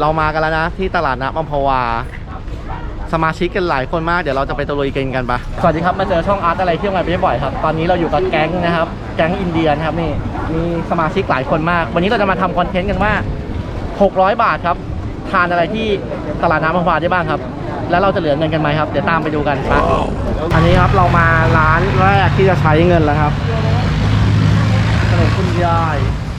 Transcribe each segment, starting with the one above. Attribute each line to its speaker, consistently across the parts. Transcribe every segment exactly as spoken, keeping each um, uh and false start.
Speaker 1: เรามากันแล้วนะที่ตลาดน้ำอัมพวาสมาชิกกันหลายคนมากเดี๋ยวเราจะไปตะลุยกินกันปะสวัสดีครับมาเจอช่องอาร์ตอะไรเที่ยวงานไปบ่อยครับตอนนี้เราอยู่กับแก๊งนะครับแก๊งอินเดียนะครับนี่มีสมาชิกหลายคนมากวันนี้เราจะมาทำคอนเทนต์กันว่าหกร้อยบาทครับทานอะไรที่ตลาดน้ำอัมพวาได้บ้างครับแล้วเราจะเหลือเงินกันไหมครับเดี๋ยวตามไปดูกันปะอันนี้ครับเรามาร้านแรกที่จะใช้เงินแล้วครับขนมคุณยาย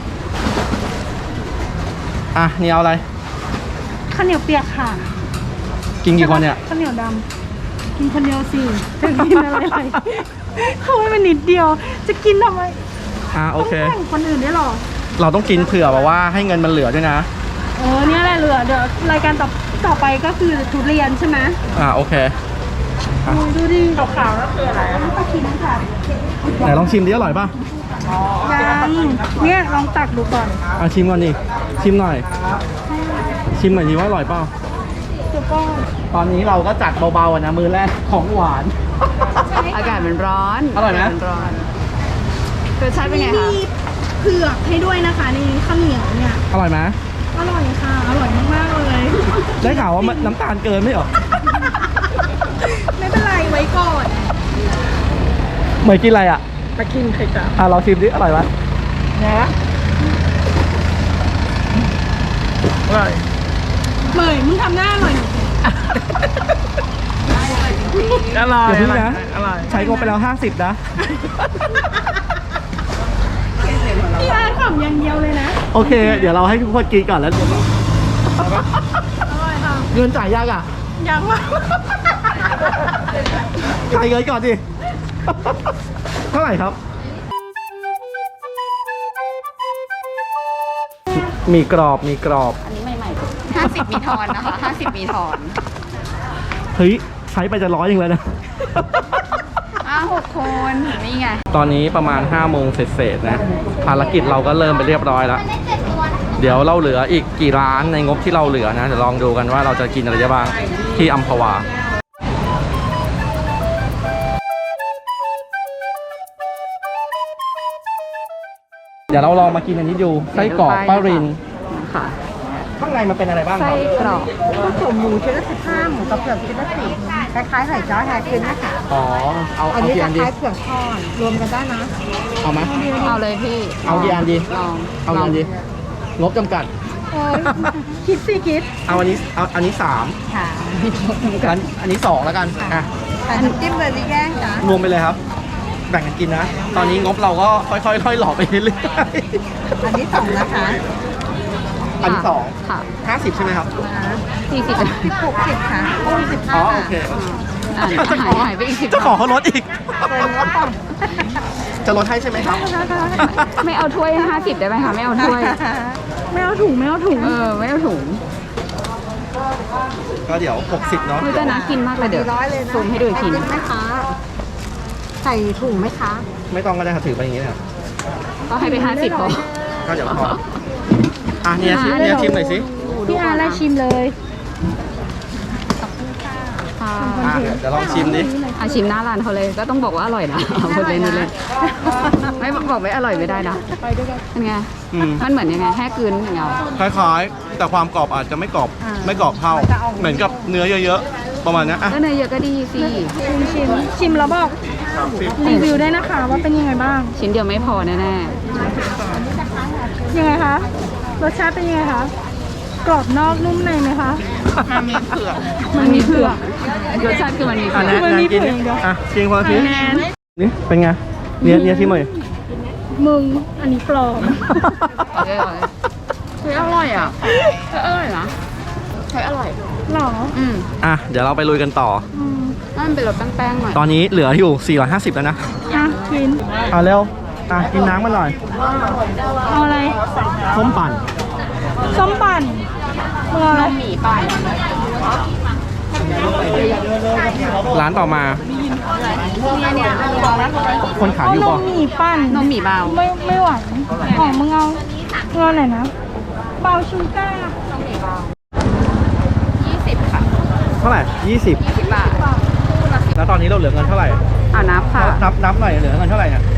Speaker 1: อ่ะนี่เอาอะไร
Speaker 2: ข้าวเหนียวเปียกค่ะ
Speaker 1: กินกี่คนเนี่ย
Speaker 2: ข้าวเหนียวดำกินคนเดียวสิจะกินอะไรอะไรเขาให้มันนิดเดียวจะกินทำไม
Speaker 1: อ่ะโอเค
Speaker 2: ต้องแบ่งคนอื่นได้หรอ
Speaker 1: เราต้องกินเผื่อแบบว่าให้เงินมันเหลือด้วยนะ
Speaker 2: เออเนี่ยแหละเหลือเดี๋ยวรายการต่อต่อไปก็คือทุเรียนใช่ไหม
Speaker 1: อ่าโอเค
Speaker 2: ดูดิขาวๆแล้วคืออะไรปลาคิมค่ะ
Speaker 1: ไหนลองชิมดิอร่อยป่ะ
Speaker 2: ยังเนี่ยลองตักดูก่อน
Speaker 1: อ่ะชิมก่อนดิชิมหน่อยชิมหน่อยดิว่าอร่อยเปล่าตอนนี้เราก็จัดเบาๆนะมือแรกของหวาน
Speaker 3: อากาศมันร้อน
Speaker 1: อร่อยไหม
Speaker 3: ร้อนรสชาติเป็นไงคะ
Speaker 2: มีเผือกให้ด้วยนะคะนี่ข้าวเหนียวเนี่ย
Speaker 1: อร่อยไหม
Speaker 2: อร่อยค่ะอร่อยมากๆเลย
Speaker 1: ได้ข่าวว่าน้ำตาลเกินไม่หรอ
Speaker 2: ไม่เป็นไรไว้ก่อน
Speaker 1: เหมยกินอะไรอ่ะ
Speaker 2: ตะกินไข่จ้า
Speaker 1: อ่ะเราชิมดิอร่อยไหม
Speaker 2: นะอร่อยเหมยมึงทำหน้าอร่อย
Speaker 1: อร่อยอย่าพึ่งนะใช้งบไปแล้วห้าสิบนะ
Speaker 2: พี่อาร์ตขำอย่างเดียวเลยนะ
Speaker 1: โอเคเดี๋ยวเราให้ทุกคนกินก่อนแล้วเงินจ่ายยากอ่ะ
Speaker 2: ยังมาก
Speaker 1: จ่ายเงินก่อนดิเท่าไหร่ครับมีกรอบมีกรอบ
Speaker 3: อันนี้ใหม่ๆห้าสิบมีทอนนะคะห้าสิบมีทอน
Speaker 1: เฮ้ยใช้ไปจะร้อยยังเลยนะ
Speaker 3: อ้าวหกคนนี่ไง
Speaker 1: ตอนนี้ประมาณห้าโมงเสร็จๆนะภารกิจเราก็เริ่มไปเรียบร้อยแล้วเดี๋ยวเราเหลืออีกกี่ร้านในงบที่เราเหลือนะเดี๋ยวลองดูกันว่าเราจะกินอะไรได้บ้างที่อัมพวาเดี๋ยวเราลองมากินอันนี้ดูไส้กรอกป้าริน
Speaker 3: ค่ะ
Speaker 1: ข้างในมันเป็นอะไรบ้าง
Speaker 3: ไส้กรอก
Speaker 2: ผสมหมูชิ้นละสิบห้าหมูกับเผือกชิ้นละสิบคล้ายๆไข่จ้อแฮร์คินนะคะ
Speaker 1: อ๋อเอา
Speaker 2: อันนี้คล้ายๆเผือกทอดรวมกันได้นะ
Speaker 1: เอาไหม
Speaker 3: เอาเลยพี่
Speaker 1: เอากี่อันดี
Speaker 3: ลอง
Speaker 1: เอากี่อันดีงบจำกัด
Speaker 2: คิดสิคิด
Speaker 1: เอาอันนี้เอาอันนี้สาม
Speaker 3: ค่ะ
Speaker 1: อันอันนี้สองแล้วกันอ่ะ
Speaker 2: แต่น้ำจิ้มเลยที่แย่งจ้ะ
Speaker 1: รวมไปเลยครับแบ่งกันกินนะตอนนี้งบเราก็ค่อยๆค่อยหลอกไปเรื่อย
Speaker 2: ๆอันนี้สองนะคะ
Speaker 1: อันที่สอง
Speaker 3: ค่ะ
Speaker 1: ห้าสิบใช่ไหมครับ
Speaker 3: สี่สิบ
Speaker 2: สิบหกสิบค่ะโอ้สิบห้า
Speaker 1: อ๋อโอเค
Speaker 3: จะขอหายไปอีกสิบ
Speaker 1: จะขอเขาลดอีกจะลดให้ใช่ไหมครับ
Speaker 3: ไม่เอาถ้วยห้าสิบได้ไหมคะไม่เอาถ้วย
Speaker 2: ไม่เอาถุงไม่เอาถุง
Speaker 3: เออไม่เอาถุง
Speaker 1: ก็เดี๋ยวหกสิบเนาะ
Speaker 3: มือจะน่ากินมากเลยเดี๋ยวซูมให้ดูอีกที
Speaker 2: ไหมคะใส่ถุงไหมคะ
Speaker 1: ไม่ต้องก็ได้ครับถือไปอย่างนี้นะครับ
Speaker 3: ก็ให้ไปห้าสิบพอ
Speaker 1: ก็เดี๋ยวพออ่ะเนี่ยชิมเนี่ยชิมหน่อยสิ
Speaker 2: พี่อาร์อะไรชิมเลย
Speaker 1: อ่ะเดี๋ยวลองชิมดิ
Speaker 3: อ่ะชิมหน้าร้านเขาเลยก็ต้องบอกว่าอร่อยนะพูดเลยนี่เลยไม่บอกไม่อร่อยไม่ได้นะเป็นไงมันเหมือนยังไงแห้กลืนอย่างเงี้ย
Speaker 1: คล้ายๆแต่ความกรอบอาจจะไม่กรอบไม่กรอบเท่าเหมือนกับเนื้อเยอะๆประมาณนี้อ่ะ
Speaker 3: ก็เนื้อเยอะก็ดีสิ
Speaker 2: ชิมชิมชิมแล้วบอกรีวิวได้นะคะว่าเป็นยังไงบ้าง
Speaker 3: ชิ้นเดียวไม่พอแน่
Speaker 2: ๆยังไงคะรสชาติเป็นยังไงคะกรอบนอกนุ่มในไหมคะ
Speaker 3: มันมีเผือกมันมีเผือกรสชาติคือมันมีเผือก
Speaker 2: มันมีเผือก
Speaker 1: อ่ะชิมคนละทีนี่เป็นไงเนี่ยเนี่ยที่มือ
Speaker 2: มึงอันนี้ปลอม
Speaker 3: เฮ้ยอร่อยอ่ะเฮ้ยอร่อยนะเฮ้ยอร่อย
Speaker 2: หรอ
Speaker 3: อืม
Speaker 1: อ่ะเดี๋ยวเราไปลุยกันต่อ
Speaker 3: นั่นเป็นรสแป้งๆหน่อย
Speaker 1: ตอนนี้เหลืออยู่สี่ร้อยห้าสิบแล้วนะ
Speaker 2: อ่ะกิน
Speaker 1: อ่ะเร็วอ่ะกินน้ำมาหน่อย
Speaker 2: เอาอะไร
Speaker 1: ส้มปั่น
Speaker 2: ส้มปั่นเมื่อไร
Speaker 3: หมี่ปั่น
Speaker 1: ร้านต่อมาคนขายอยู่ป่ะ
Speaker 2: นมหมี่ปั่น
Speaker 3: นมหมี่เบา
Speaker 2: ไม่ไม่หวานของมึงเอาเงินไหนนะเบาชูก้า
Speaker 3: ยี่สิบค่ะ
Speaker 1: เท่าไหร่ยี่สิบ
Speaker 3: ยี่สิบบาท
Speaker 1: แล้วตอนนี้เราเหลือเงินเท่าไหร่
Speaker 3: อ่านับค่ะ
Speaker 1: นับนับหน่อยเหลือเงินเท่าไหร่เนี่ย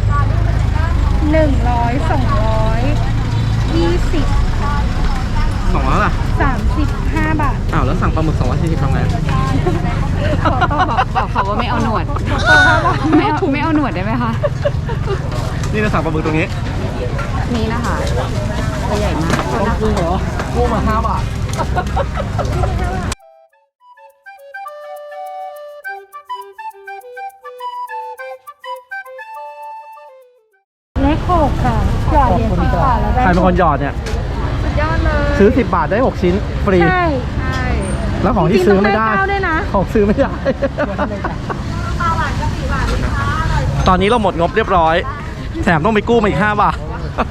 Speaker 2: หนึ่งร้อยสองร้อยยี่สิบ
Speaker 1: สองร้อยล่ะ
Speaker 2: สามสิบห้าบาท
Speaker 1: อ้าวแล้วสั่งปลาหมึกสองร้อยสี่สิบทำไง
Speaker 3: บอกบอกเขาว่าไม่เอาหนวด ไม่เอาไม่เอาหนวดได้ไหมคะ
Speaker 1: นี่เราสั่งปลาหมึกตรงนี้
Speaker 3: นี่นะคะตัวใหญ่มาก
Speaker 1: ต้องกุ้งเหรอกุ้งมาห้าบาท
Speaker 2: เลขหกค่ะหยอดเหรียญสิบบาทแล้วได้
Speaker 1: ใครเป็นคนหยอดเนี่ย
Speaker 3: สุดยอดเลย
Speaker 1: ซื้อสิบบาทได้หกชิ้นฟรี
Speaker 2: ใช่
Speaker 3: ใช่
Speaker 1: แล้วของที่ซื้อไม่ได้
Speaker 2: จริงๆต้องได้เก้าด้วยนะ
Speaker 1: ของซื้อไม่ได้ ตอนนี้เราหมดงบเรียบร้อย แถมต้องไปกู้มาอีกห้าบาท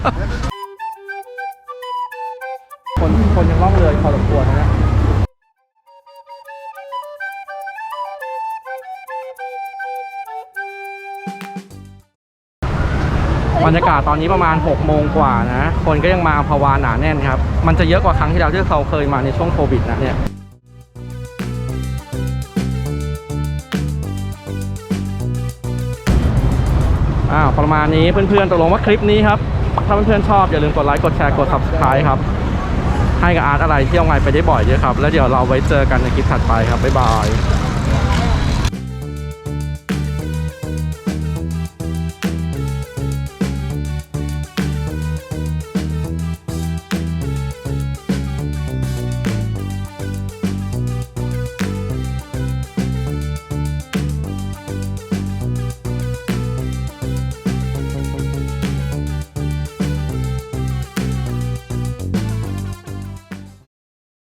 Speaker 1: คนคนยังล่องเรือพอสมควรนะบรรยากาศตอนนี้ประมาณหกโมงกว่านะ คนก็ยังมาอัมพวาหนาแน่นครับ มันจะเยอะกว่าครั้งที่แล้วที่เขาเคยมาในช่วงโควิดนะเนี่ย อ่าประมาณนี้เพื่อนๆตกลงว่าคลิปนี้ครับ ถ้าเพื่อนๆชอบอย่าลืมกดไลค์กดแชร์กด ซับสไครบ์ ครับ ให้กับอาร์ตอะไรเที่ยวไงไปได้บ่อยด้วยครับ แล้วเดี๋ยวเราไว้เจอกันในคลิปถัดไปครับ บ๊ายบาย